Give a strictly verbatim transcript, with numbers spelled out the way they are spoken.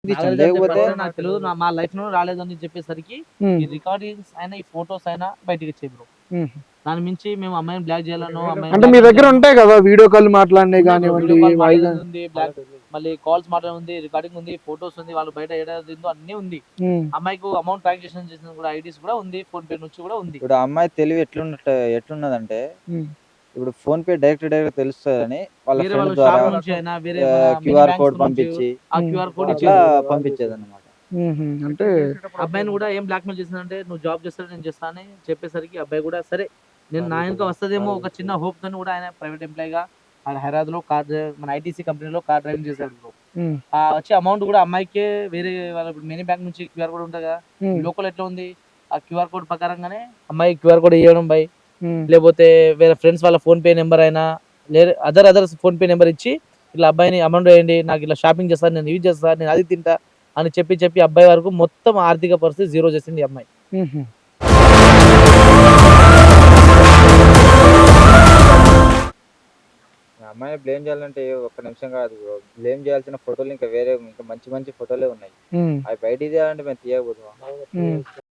ఇచ్చాను. నాగార్జున లేకపోతే చెప్పారు నాకు తెలియదు, నా మా లైఫ్ లో రాలేదని చెప్పేసరికి హ్మ్. ఈ రికార్డింగ్స్ అయినా ఈ ఫోటోస్ అయినా బయటకి వచ్చాయి బ్రో. హ్మ్. దాని మించి మేము అమ్మాయిని బ్లాక్ చేయాలనో అమ్మాయిని అంటే మీ blackmail దగ్గర చేయాలనో ఉంటాయి కదా వీడియో కాల్ మాట్లాడినవి ఉన్నాయి bro. కానివ్వండి, వీడియో కాల్ వాయిస్ మాట్లాడేది ఉంది, బ్లాక్ మళ్ళీ కాల్స్ మాట్లాడేది ఉంది, రికార్డింగ్ ఉంది, ఫోటోస్ ఉంది, వాళ్ళు బయట ఏడాది అన్ని ఉంది. హ్మ్. అమ్మాయికి అమౌంట్ ట్రాన్సాక్షన్ చేసిన కూడా ఐడీస్ కూడా ఉంది, ఫోన్ పే నుంచి కూడా ఉంది. ఇప్పుడు ఆ అమ్మాయి తెలివి ఎట్లున్నట్టు ఎట్లున్నదంటే హ్మ్. ఇప్పుడు ఫోన్ పే డైరెక్ట్ డైరెక్ట్ తెలుస్తుందని వాళ్ళ వేరే ఫ్రెండ్ వాళ్ళ ద్వారా షాప్ నుంచి అయినా వేరే మన మినీ క్యూఆర్ బ్యాంక్స్ కోడ్ నుంచి పంపించి ఆ హ్మ్. క్యూఆర్ కోడ్ అట్లా ఇచ్చేది. పంపించేది అనమాట. హుహు. అంటే అబ్బాయిని కూడా ఏం బ్లాక్మెయిల్ చేసిందంటే నువ్వు జాబ్ చేస్తాడు నేను చేస్తా అని చెప్పేసరికి అబ్బాయి కూడా సరే నేను నా వెనక వస్తదేమో ఒక చిన్న హోప్ తోని కూడా ఆయన ప్రైవేట్ ఎంప్లాయీగా హైదరాబాద్ లో కార్ మన ఐటీసీ కంపెనీలో కార్ డ్రైవింగ్ చేశాడు బ్రో. హ్మ్. ఆ వచ్చే అమౌంట్ కూడా అమ్మాయికే వేరే వాళ్ళ మినీ బ్యాంక్ నుంచి క్యూఆర్ కోడ్ ఉంటుంది కదా, హ్మ్. లోకల్ ఎట్లా ఉంది ఆ క్యూఆర్ కోడ్ ప్రకారంగానే అమ్మాయి క్యూఆర్ కోడ్ ఇవ్వడం బై, హ్మ్. లేకపోతే వేరే ఫ్రెండ్స్ వాళ్ళ ఫోన్ పే నెంబర్ అయినా లేదా other other PhonePe number ఇచ్చి ఇట్లా అబ్బాయిని అమౌంట్ వేయండి, నాకు ఇట్లా షాపింగ్ చేస్తాను, నేను ఇది చేస్తాను, నేను అది తింటా అని చెప్పి చెప్పి అబ్బాయి వరకు మొత్తం ఆర్థిక పరిస్థితి జీరో చేసింది ఈ అమ్మాయి. హుహు. ఆ అమ్మాయిని బ్లేమ్ చేయాలంటే ఒక్క నిమిషం కాదు బ్రో. బ్లేమ్ చేయాల్సిన ఫోటోలు ఇంకా వేరే ఇంకా మంచి మంచి ఫోటోలే ఉన్నాయి. హ్మ్. అవి బయటికి తీయాలంటే మేము తీయకపోతాం. హ్మ్.